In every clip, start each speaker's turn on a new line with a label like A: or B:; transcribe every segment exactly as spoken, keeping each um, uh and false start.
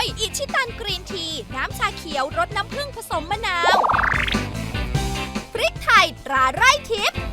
A: ยอิชิตันกรีนทีน้ำชาเขียวรสน้ำผึ้งผสมมะนาวพริกไทยตราไร่ทิพย์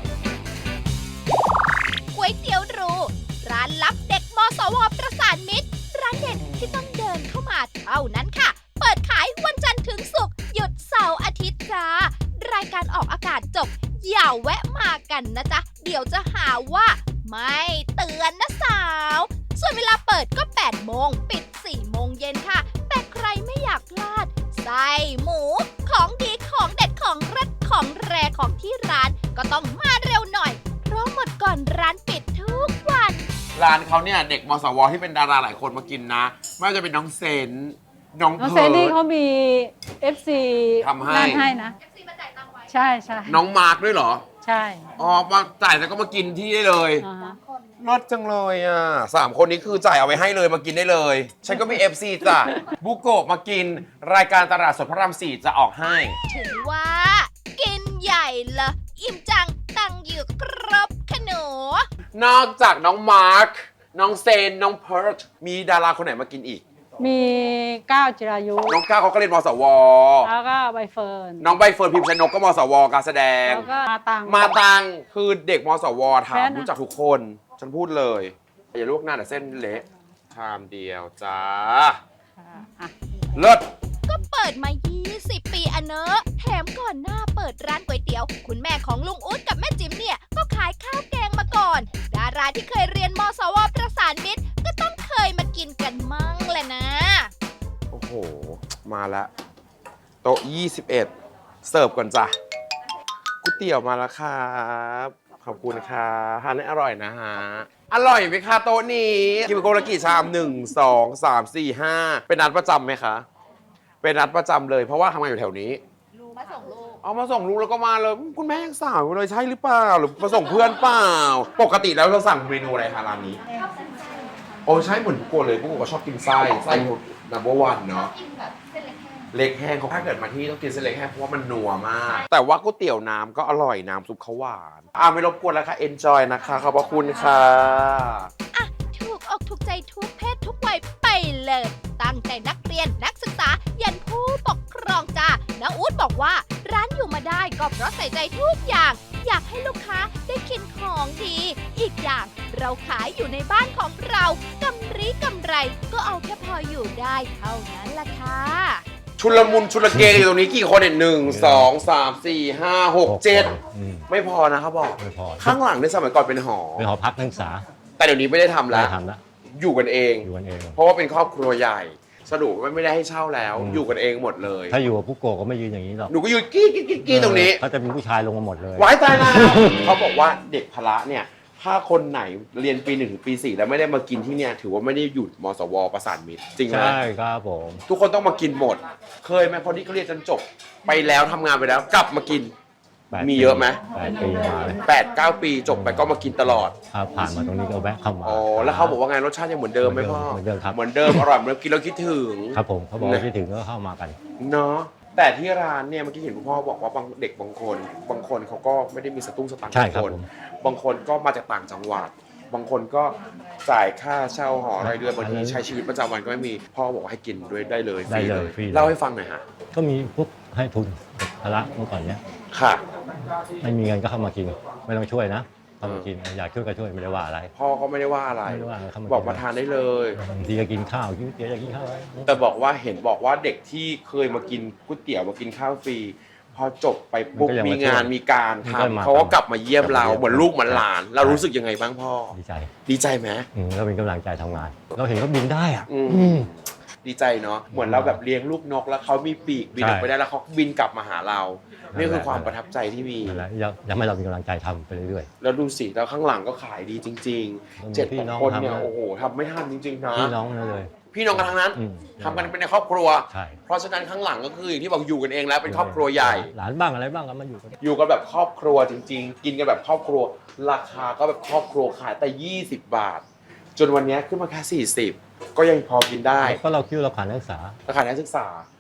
A: ก๋วยเตี๋ยวหรูร้านลับเด็กมสวประสานมิตรร้านเด็ดที่ต้องเดินเข้ามาเท่านั้นค่ะเปิดขายวันจันทร์ถึงศุกร์หยุดเสาร์อาทิตย์จ้ารายการออกอากาศจบอย่าแวะมากันนะจ๊ะเดี๋ยวจะหาว่าไม่เตือนนะสาวส่วนเวลาเปิดก็แปดโมงปิดสี่โมงเย็นค่ะแต่ใครไม่อยากพลาดไส้หมูของดีของเด็ดของเล็ดของแรของที่ร้านก็ต้องมาเร็วหน่อยเพราะหมดก่อนร้านปิดทุกวัน
B: ร้านเขาเนี่ยเด็กมสวที่เป็นดาราหลายคนมากินนะไม่ว่าจะเป็นน้องเซนน้อง
C: น้อง
B: เพิ
C: เซนนี่
B: ร์
C: เขามี เอฟ ซี
B: ทำให้
C: นั่นให้นะ ใช่ใช่
B: น้องมาร์คด้วยเหรอ
C: ใช่
B: อ๋อมาจ่ายแล้วก็มากินที่ได้เลย
C: อ่าฮะ
B: รสจังเลยอ่ะสามคนนี้คือจ่ายเอาไว้ให้เลยมากินได้เลย ฉันก็มี เอฟ ซี จ้ะบุโกะมากินรายการตลาดสดพระรามสี่จะออกให้
A: ถือว่า กินใหญ่ละอิ่มจังตังอยู่ครบขนม
B: นอกจากน้องมาร์คน้องเซนน้องเพิร์ทมีดาราคนไหนมากินอีก
C: มีก้าวจิรายุ
B: น้องก้าวเขาก็เรียนมสว
C: แล้วก็ใบเฟิร์น
B: น้องใบเฟิร์นพิมพ์ชนกก็มสวการแสดง
C: แล้วก็มาตัง
B: มาตังคือเด็กมสวถามรู้จักทุกคนฉันพูดเลยอย่าลวกหน้าแต่เส้นเละชามเดียวจ้าเลิศ
A: ก็เปิดมายี่สิบปีอะเนอะแถมก่อนหน้าเปิดร้านก๋วยเตี๋ยวคุณแม่ของลุงอุ๊ดกับแม่จิ๋มเนี่ยก็ขายข้าวแกงมาก่อนดาราที่เคยเรียนมสวประสานมิตรก็ต้องเคยมากินกันมั่งแหละนะ
B: โอ้โหมาละโต๊ะยี่สิบเอ็ดเสิร์ฟก่อนจ้ะก๋วยเตี๋ยวมาแล้วครับขอบคุณค่ะทานให้อร่อยนะฮะอร่อยไหมคะโต๊ะนี้กินไปคนละกี่ชามหนึ่งสองสามสี่ห้าเป็นนัดประจำไหมคะเป็นนัดประจำเลยเพราะว่าทำงานอยู่แถวนี้
A: มาส่งลูก
B: เอามาส่งลูกแล้วก็มาเลยคุณแม่ยังสาวอยู่เลยใช่หรือเปล่าหรือมาส่งเพื่อนเปล่าปกติแล้วเราสั่งเมนูอะไรคะร้านนี้โอ้ใช่เหมือนกูเลยกูก็ชอบกินไส้ไส้นัมเบอร์วันเนาะเล็กแห้งเขาถ้าเกิดมาที่ต้องกินเส้นเล็กแห้งเพราะว่ามันนัวมากแต่ว่าก๋วยเตี๋ยวน้ำก็อร่อยน้ำซุปเขาหวานอ่าไม่รบกวนแล้วค่ะ enjoy นะคะขอบพระคุณค่ะ
A: อ่ะถูกอกถูกใจทุกเพศทุกวัยไปเลยตั้งแต่นักเรียนนักศึกษายันผู้ปกครองจ้าน้าอู๊ดบอกว่าร้านอยู่มาได้ก็เพราะใส่ใจทุกอย่างอยากให้ลูกค้าได้กินของดีอีกอย่างเราขายอยู่ในบ้านของเรากำไรกำไรก็เอาแค่พออยู่ได้เท่านั้นล่ะค่ะ
B: ชุลมุนชุลเกอยู่ตรงนี้กี่คนเนี่ยหนึ่งสองสามสี่ห้าหกเจ็ดไม่พอนะเขาบอก
D: ไม่พอ
B: ข้างหลังในสมัยก่อนเป็นหอ
D: เป็นหอพักนักศึกษา
B: แต่เดี๋ยวนี้ไม่ได้ทำแล้ว
D: ไม่ทำแล้ว
B: อยู่กันเอง
D: อยู่กันเอง
B: เพราะว่าเป็นครอบครัวใหญ่สรุปว่าไม่ได้ให้เช่าแล้วอยู่กันเองหมดเลย
D: ถ้าอยู่กับผู้โกก็ไม่ยืนอย่างนี้หรอก
B: หนูก็ยืนกี้กี้กี้กี้ตรงนี้
D: เขาจะมีผู้ชายลงมาหมดเลย
B: ไว้ตายแล้วเขาบอกว่าเด็กพละเนี่ยถ้าคนไหนเรียนปีหนึ่งถึงปีสี่แล้วไม่ได้มากินที่เนี่ยถือว่าไม่ได้หยุดมสวประสานมิตรจริงไหม
D: ใช่ครับผม
B: ทุกคนต้องมากินหมดเคยไหมคนที่เขาเรียนจนจบไปแล้วทำงานไปแล้วกลับมากินมีเยอะไหม
D: แปดปีมาเลย
B: แปดเก้าปีจบไปก็มากินตลอด
D: ครับผ่านมาตรงนี้ก็แวะเข้ามา
B: อ๋อแล้วเขาบอกว่าไงรสชาติยังเหมือนเดิมไหมพ่อ
D: เหมือนเดิมครับ
B: เหมือนเดิมอร่อยเหมือนกินแล้วคิดถึง
D: ครับผมเขาบอกคิดถึงก็เข้ามากัน
B: เนาะแต่ที่ร้านเนี่ยเมื่อกี้เห็นคุณพ่อบอกว่าบางเด็กบางคนบางคนเขาก็ไม่ได้มีสตุ้งสตังค์บางคนบางคนก็มาจากต่างจังหวัดบางคนก็จ่ายค่าเช่าหอรายเดือนบางทีใช้ชีวิตประจำวันก็ไม่มีพ่อบอกว่าให้กินด้วยได้เลยฟรีเลยเล่าให้ฟังหน่อยฮะ
D: ก็มีพวกให้ทุนพละเมื่อก่อนเนี้ย
B: ค่ะ
D: ไม่มีเงินก็เข้ามากินไม่ต้องช่วยนะเข้ามากินอยากช่วยก็ช่วยไม่ได้ว่าอะไร
B: พ่อก็ไม่ได้ว่าอะไรบอกมาทานได้เลย
D: บางทีจะกินข้าวกินเตี๋ยวจะกินข้าว
B: แต่บอกว่าเห็นบอกว่าเด็กที่เคยมากินก๋วยเตี๋ยวมากินข้าวฟรีพอจบไปปุ๊บมีงานมีการทำเขาก็กลับมาเยี่ยมเราเหมือนลูกเหมือนหลานเรารู้สึกยังไงบ้างพ่อ
D: ดีใจ
B: ดีใจไหม
D: เราเป็นกำลังใจทำงานเราเห็นเขาบินได้อ่ะ
B: ดีใจเนาะเหมือนเราแบบเลี้ยงลูกนกแล้วเขามีปีกบินออกไปได้แล้วเขาบินกลับมาหาเรานี่คือความประทับใจที่มี
D: อยากให้เรามีกำลังใจทำไปเรื่อย
B: ๆแล้วดูสิแล้วข้างหลังก็ขายดีจริงๆเจ็ดคนเนี่ยโอ้โหทำไม่ทันจริงๆนะ
D: พี่น้องเลย
B: พี่น้องกันทั้งนั้นทำกันเป็นในครอบครัวเพราะฉะนั้นข้างหลังก็คืออย่างที่บอกอยู่กันเองแล้วเป็นครอบครัวใหญ่
D: หลานบ้างอะไรบ้างก็มาอยู่กัน
B: อยู่กันแบบครอบครัวจริงๆกินกันแบบครอบครัวราคาก็แบบครอบครัวขายแต่ยี่สิบบาทจนวันนี้ขึ้นมาแค่สี่สิบก็ยังพอกินได้
D: ก็เราคิดเราขายนักศึกษา
B: เราขายนักศึกษา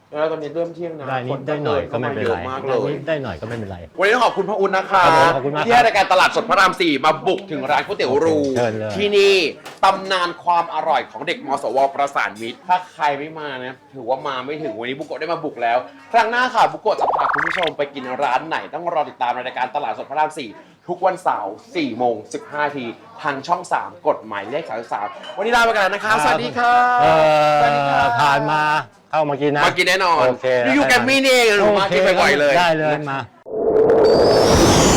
B: แล้วตอนนี้เริ่มเที่ยงนะ
D: ได้นิ
B: ค
D: ดได้หน่อยก็ไม่เป็นไร
B: เยอะมากเล
D: ได้
B: ย
D: นิดได้หน่อยก็ไม่เป็นไร
B: วันนี้ต้องขอบคุณพระอุ่นนะคะ
D: ครับผมขอบคุณมาก
B: ที่ให้รายการตลาดสดพระรามสี่มาบุกถึงร้านก๋วยเตี๋ยวรู
D: เชิญเลย
B: ที่นี่ตำนานความอร่อยของเด็กมสวประสานมิตรถ้าใครไม่มานะถือว่ามาไม่ถึงวันนี้บุโกะได้มาบุกแล้ว ครั้งหน้าค่ะบุโกะจะพาคุณผู้ชมไปกินร้านไหนต้องรอติดตามในรายการตลาดสดพระรามสี่ทุกวันเสาร์สี่โมงสิบห้านาทีทางช่องสามกฎหมายเลขสามสิบสามวันนี้ลาไปกันแล้วนะคะสวัสดีค่ะ
D: เอ
B: สวัสดีค่ะ
D: อผ่านมาเข้ามากินนะ
B: มากินแน่นอน
D: โอเค
B: อยู่ๆแกมมี่นี่เองหนูมากินบ่อยๆเลย
D: ได้เลยมา